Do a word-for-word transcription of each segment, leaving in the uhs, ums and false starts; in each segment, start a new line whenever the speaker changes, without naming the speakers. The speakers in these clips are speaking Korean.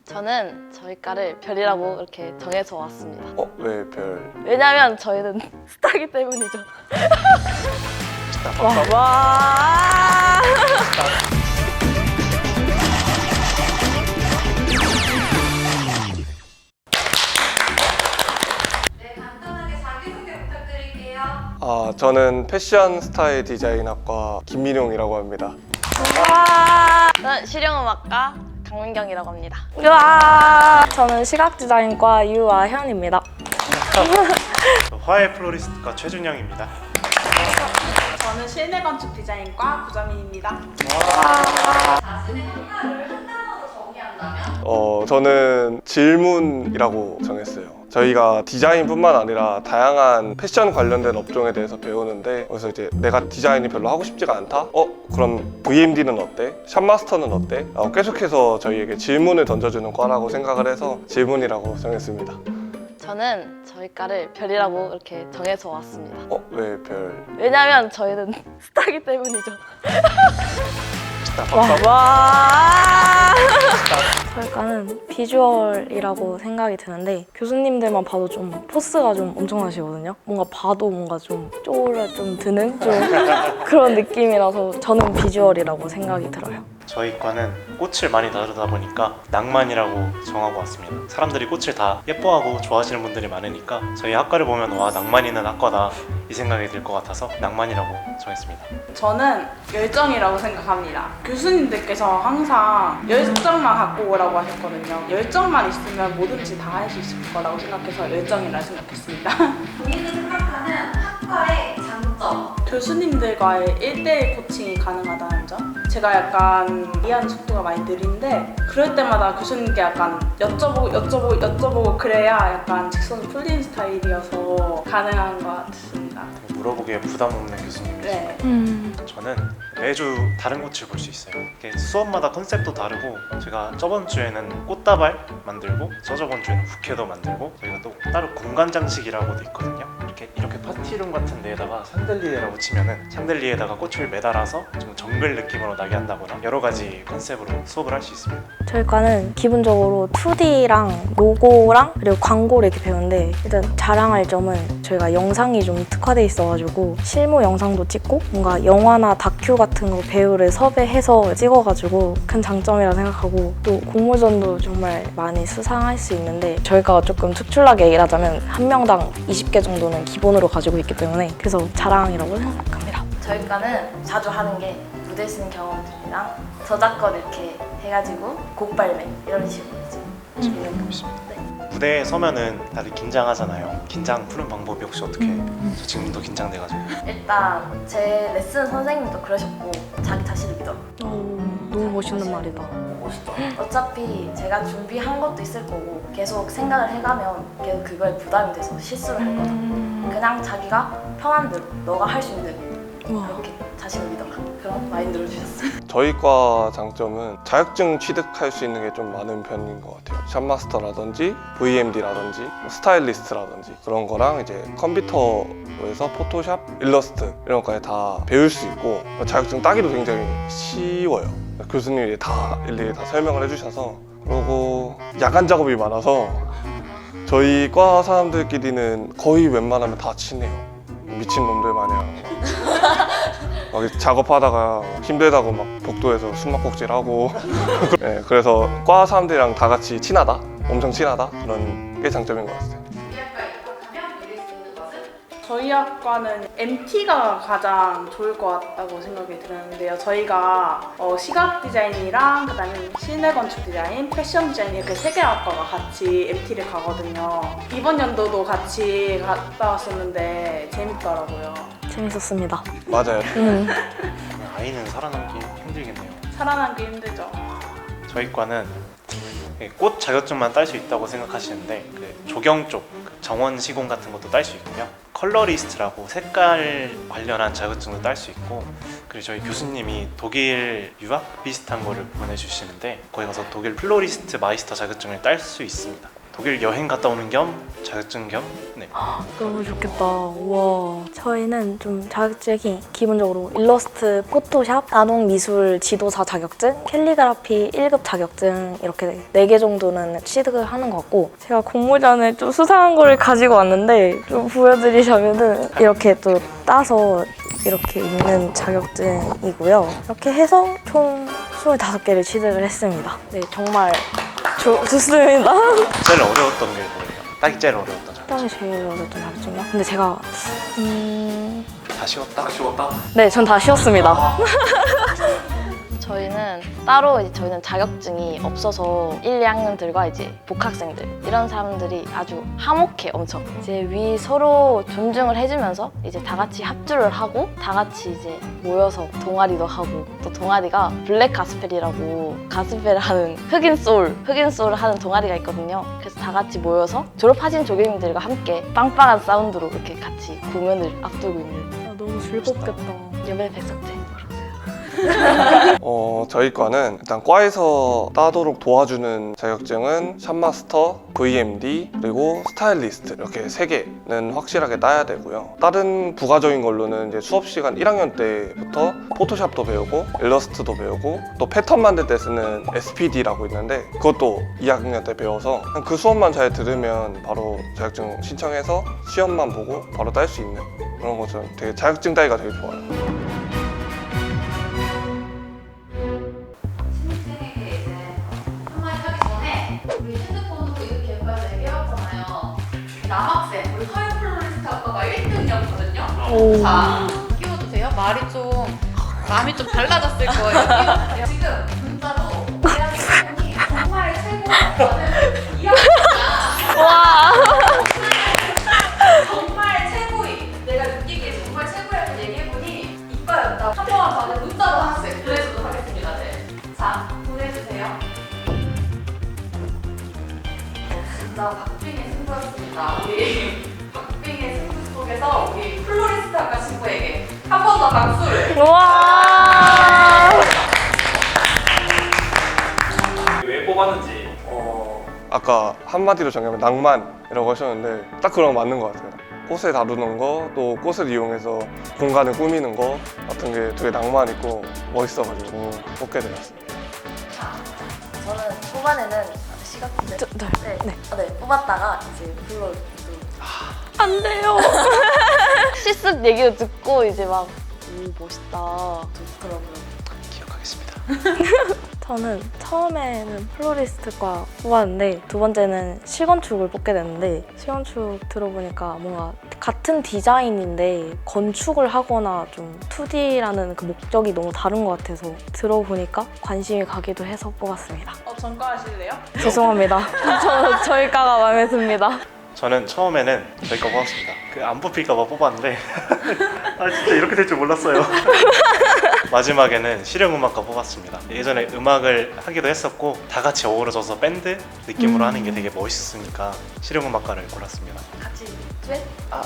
저는 저희 과를 별이라고 이렇게 정해서 왔습니다.
어? 왜 별?
왜냐면 저희는 스타기 때문이죠.
와,
와.
네, 간단하게 자기소개 부탁드릴게요.
아, 저는 패션 스타일 디자인학과 김민용이라고 합니다.
와. 저는 실용음악과 강민경이라고 합니다.
우와! 저는 시각디자인과 유아현입니다.
화해 플로리스트과 최준영입니다.
저는 실내건축 디자인과 구자민입니다.
자신의 학과를 한 단어로 정의한다면?
어, 저는 질문이라고 정했어요. 저희가 디자인뿐만 아니라 다양한 패션 관련된 업종에 대해서 배우는데, 그래서 이제 내가 디자인이 별로 하고 싶지가 않다? 어? 그럼 브이엠디는 어때? 샵마스터는 어때? 어, 계속해서 저희에게 질문을 던져주는 과라고 생각을 해서 질문이라고 정했습니다.
저는 저희 과를 별이라고 이렇게 정해서 왔습니다.
어? 왜 별?
왜냐면 저희는 스타기 때문이죠.
와,
와.
저희 과는 비주얼이라고 생각이 드는데 교수님들만 봐도 좀 포스가 좀 엄청나시거든요. 뭔가 봐도 뭔가 좀 쪼라 좀 드는 좀 그런 느낌이라서 저는 비주얼이라고 생각이 들어요.
저희 과는 꽃을 많이 다루다 보니까 낭만이라고 정하고 왔습니다. 사람들이 꽃을 다 예뻐하고 좋아하시는 분들이 많으니까 저희 학과를 보면 와, 낭만 있는 학과다 이 생각이 들 것 같아서 낭만이라고 정했습니다.
저는 열정이라고 생각합니다. 교수님들께서 항상 열정만 갖고 오라고 하셨거든요. 열정만 있으면 뭐든지 다 할 수 있을 거라고 생각해서 열정이라 생각했습니다.
본인이 생각하는 학과의 장점.
교수님들과의 일대일 코칭이 가능하다는 점? 제가 약간 이해하는 속도가 많이 느린데 그럴 때마다 교수님께 약간 여쭤보고 여쭤보고 여쭤보고 그래야 약간 직선이 풀리는 스타일이어서 가능한 것 같습니다.
물어보기에 부담 없는 교수님이시죠.
네.
음.
저는 매주 다른 꽃을 볼 수 있어요. 이렇게 수업마다 컨셉도 다르고, 제가 저번 주에는 꽃다발 만들고 저저번 주에는 부케도 만들고, 저희가 또 따로 공간 장식이라고도 있거든요. 이렇게 이렇게 파티룸 같은 데에다가 샹들리에라고 치면은 샹들리에다가 꽃을 매달아서 좀 정글 느낌으로 나게 한다거나 여러 가지 컨셉으로 수업을 할 수 있습니다.
저희 과는 기본적으로 투디랑 로고랑 그리고 광고를 이렇게 배우는데 일단 자랑할 점은 저희가 영상이 좀 특화돼 있어가지고 실무 영상도 찍고 뭔가 영화나 다큐 같은 거 배우를 섭외해서 찍어가지고 큰 장점이라 생각하고, 또 공모전도 정말 많이 수상할 수 있는데 저희가 조금 특출나게 일하자면 한 명당 이십 개 정도는 기본으로 가지고 있기 때문에 그래서 자랑이라고 생각합니다.
저희 과는 자주 하는 게 무대 쓰는 경험들이랑 저작권 이렇게 해가지고 곡 발매 이런 식으로 이제 준비하고 있습니다. 네.
무대에 서면은 다들 긴장하잖아요. 긴장 푸는 방법이 혹시 어떻게? 저 지금도 긴장돼가지고.
일단 제 레슨 선생님도 그러셨고 자기 자신을 믿어.
오, 너무 멋있는 말이다.
멋있죠. 어차피 제가 준비한 것도 있을 거고 계속 생각을 해가면 계속 그거에 부담이 돼서 실수를 할 거다. 그냥 자기가 편한 대로 너가 할 수 있는 대로
우와.
그렇게 자신을 믿어라. 그런 마인드를 주셨어요.
저희 과 장점은 자격증 취득할 수 있는 게 좀 많은 편인 것 같아요. 샵마스터라든지 브이엠디라든지 뭐 스타일리스트라든지 그런 거랑 이제 컴퓨터에서 포토샵, 일러스트 이런 것까지 다 배울 수 있고, 자격증 따기도 굉장히 쉬워요. 교수님이 다 일일이 다 설명을 해주셔서. 그리고 야간 작업이 많아서 저희 과 사람들끼리는 거의 웬만하면 다 친해요. 미친놈들 마냥 막 작업하다가 힘들다고 막 복도에서 숨막꼭질하고 네, 그래서 과 사람들이랑 다 같이 친하다, 엄청 친하다, 그런 게 장점인 것 같아요.
우리 학과에 입학하면 누릴 수 있는 것은?
저희 학과는 엠티가 가장 좋을 것 같다고 생각이 드는데요. 저희가 어, 시각 디자인이랑 그다음에 실내 건축 디자인, 패션 디자인 이렇게 세 개 학과가 같이 엠티를 가거든요. 이번 연도도 같이 갔다 왔었는데 재밌더라고요.
재밌었습니다.
맞아요.
음.
아이는 살아남기 힘들겠네요.
살아남기 힘들죠.
저희 과는 꽃 자격증만 딸 수 있다고 생각하시는데 그 조경 쪽, 그 정원 시공 같은 것도 딸 수 있고요. 컬러리스트라고 색깔 관련한 자격증도 딸 수 있고, 그리고 저희 교수님이 독일 유학 비슷한 거를 보내주시는데 거기 가서 독일 플로리스트 마이스터 자격증을 딸 수 있습니다. 독일 여행 갔다 오는 겸 자격증 겸 네.
너무 좋겠다. 우와. 저희는 좀 자격증이 기본적으로 일러스트, 포토샵, 나눔 미술 지도사 자격증, 캘리그라피 일 급 자격증 이렇게 네 개 정도는 취득을 하는 것 같고, 제가 공모전에 좀 수상한 거를 가지고 왔는데 좀 보여드리자면은 이렇게 또 따서 이렇게 있는 자격증이고요. 이렇게 해서 총 스물다섯 개를 취득을 했습니다. 네, 정말 좋, 좋습니다.
제일 어려웠던 게 뭐예요? 딱히 제일 어려웠던 점.
땅이 제일 어려웠던 자격증이요? 근데 제가 음...
다 쉬웠다?
쉬웠다?
네, 전 다 쉬었습니다.
저희는 따로 이제 저희는 자격증이 없어서 일, 이 학년들과 이제 복학생들 이런 사람들이 아주 화목해 엄청. 이제 위 서로 존중을 해주면서 이제 다 같이 합주를 하고 다 같이 이제 모여서 동아리도 하고, 또 동아리가 블랙 가스펠이라고 가스펠을 하는 흑인 소울, 흑인 소울을 하는 동아리가 있거든요. 그래서 다 같이 모여서 졸업하신 조교님들과 함께 빵빵한 사운드로 이렇게 같이 공연을 앞두고 있는.
아, 너무 즐겁겠다.
여배 백석제.
어, 저희 과는 일단 과에서 따도록 도와주는 자격증은 샵마스터, 브이엠디, 그리고 스타일리스트 이렇게 세 개는 확실하게 따야 되고요. 다른 부가적인 걸로는 이제 수업 시간 일 학년 때부터 포토샵도 배우고 일러스트도 배우고 또 패턴 만들 때 쓰는 에스피디라고 있는데 그것도 이 학년 때 배워서 그 수업만 잘 들으면 바로 자격증 신청해서 시험만 보고 바로 딸 수 있는 그런 거죠. 되게 자격증 따기가 되게 좋아요.
신입생에게 이제 한마디 하기 전에 우리 핸드폰으로 이렇게 몇 얘기 해봤잖아요. 남학생, 우리 서울 플로리스트 학과가 일 등이었거든요. 자, 끼워주세요. 말이 좀, 마음이 좀 달라졌을 거예요. 끼워주세요. 지금 문자로 대한민국이 정말 최고라는 이야기가
와.
정말 최고인, 내가 느끼기에 정말 최고라는 얘기해보니 이과였다. 한 번만 다들 문자로 하나씩 보내주도록 하겠습니다. 네. 자, 보내주세요. 진짜 박빙의 승부였습니다. 우리 박빙의 승부 속에서 우리 플로리스트 학과 친구에게 한 번 더 박수를.
와.
왜 뽑았는지 어,
아까 한마디로 정하면 낭만이라고 하셨는데 딱 그런 거 맞는 것 같아요. 꽃을 다루는 거, 또 꽃을 이용해서 공간을 꾸미는 거 같은 게 되게 낭만 있고 멋있어가지고 뽑게 되었어요.
저는 초반에는 시각대
저, 네.
네,
네.
네. 네, 뽑았다가 이제 불러 또
안 돼요.
실습 얘기를 듣고 이제 막 오 멋있다 좋더라고요.
기억하겠습니다.
저는 처음에는 플로리스트과 뽑았는데 두 번째는 실건축을 뽑게 됐는데, 실건축 들어보니까 뭔가 같은 디자인인데 건축을 하거나 좀 투디라는 그 목적이 너무 다른 것 같아서 들어보니까 관심이 가기도 해서 뽑았습니다.
어, 전과 하실래요?
죄송합니다. 저, 저희 과가 마음에 듭니다.
저는 처음에는 저희과 뽑았습니다. 그 안 뽑힐까봐 뽑았는데 아 진짜 이렇게 될 줄 몰랐어요. 마지막에는 실용음악과 뽑았습니다. 예전에 음악을 하기도 했었고 다 같이 어우러져서 밴드 느낌으로
음.
하는 게 되게 멋있으니까 실용음악과를 골랐습니다.
같이 듀엣?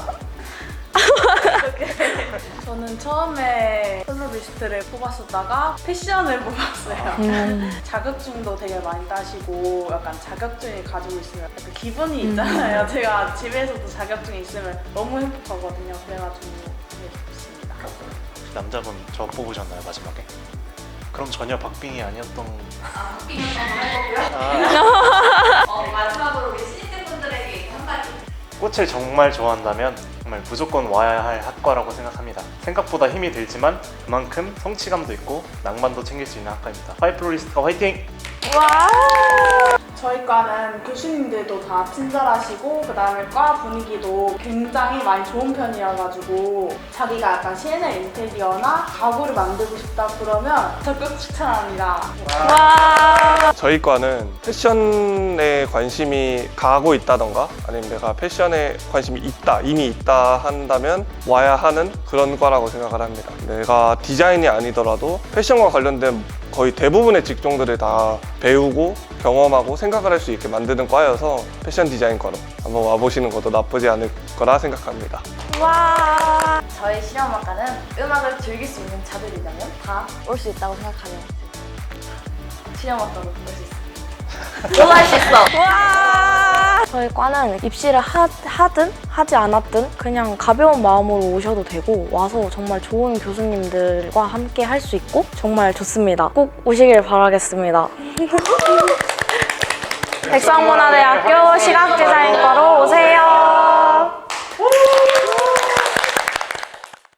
저는 처음에 플로리스트를 뽑았었다가 패션을 뽑았어요.
음.
자격증도 되게 많이 따시고 약간 자격증을 가지고 있으면 약간 기분이 있잖아요. 제가 집에서도 자격증이 있으면 너무 행복하거든요. 그래가지고 되게 좋습니다.
혹시 남자분 저 뽑으셨나요 마지막에? 그럼 전혀 박빙이 아니었던.
아, 박빙이었던 걸 해보고요.
아,
어, 마지막으로 우리 신입생분들에게 한마디.
꽃을 정말 좋아한다면 정말 무조건 와야 할 학과라고 생각합니다. 생각보다 힘이 들지만 그만큼 성취감도 있고 낭만도 챙길 수 있는 학과입니다. 파이플로리스트가 화이팅!
와.
저희 과는 교수님들도 다 친절하시고 그 다음에 과 분위기도 굉장히 많이 좋은 편이어가지고 자기가 약간 씨엔엘 인테리어나 가구를 만들고 싶다 그러면 적극 추천합니다.
와.
저희 과는 패션에 관심이 가고 있다던가 아니면 내가 패션에 관심이 있다, 이미 있다 한다면 와야 하는 그런 과라고 생각을 합니다. 내가 디자인이 아니더라도 패션과 관련된 거의 대부분의 직종들을 다 배우고 경험하고 생각을 할 수 있게 만드는 과여서 패션 디자인과로 한번 와보시는 것도 나쁘지 않을 거라 생각합니다.
와.
저희 실용음악과는 음악을 즐길 수 있는 자들이라면 다 올 수 있다고 생각하면 실용음악과로 올 수 있어요. 너도 할 수 있어.
와. 저희 과는 입시를 하, 하든 하지 않았든 그냥 가벼운 마음으로 오셔도 되고 와서 정말 좋은 교수님들과 함께 할 수 있고 정말 좋습니다. 꼭 오시길 바라겠습니다. 백성문화대학교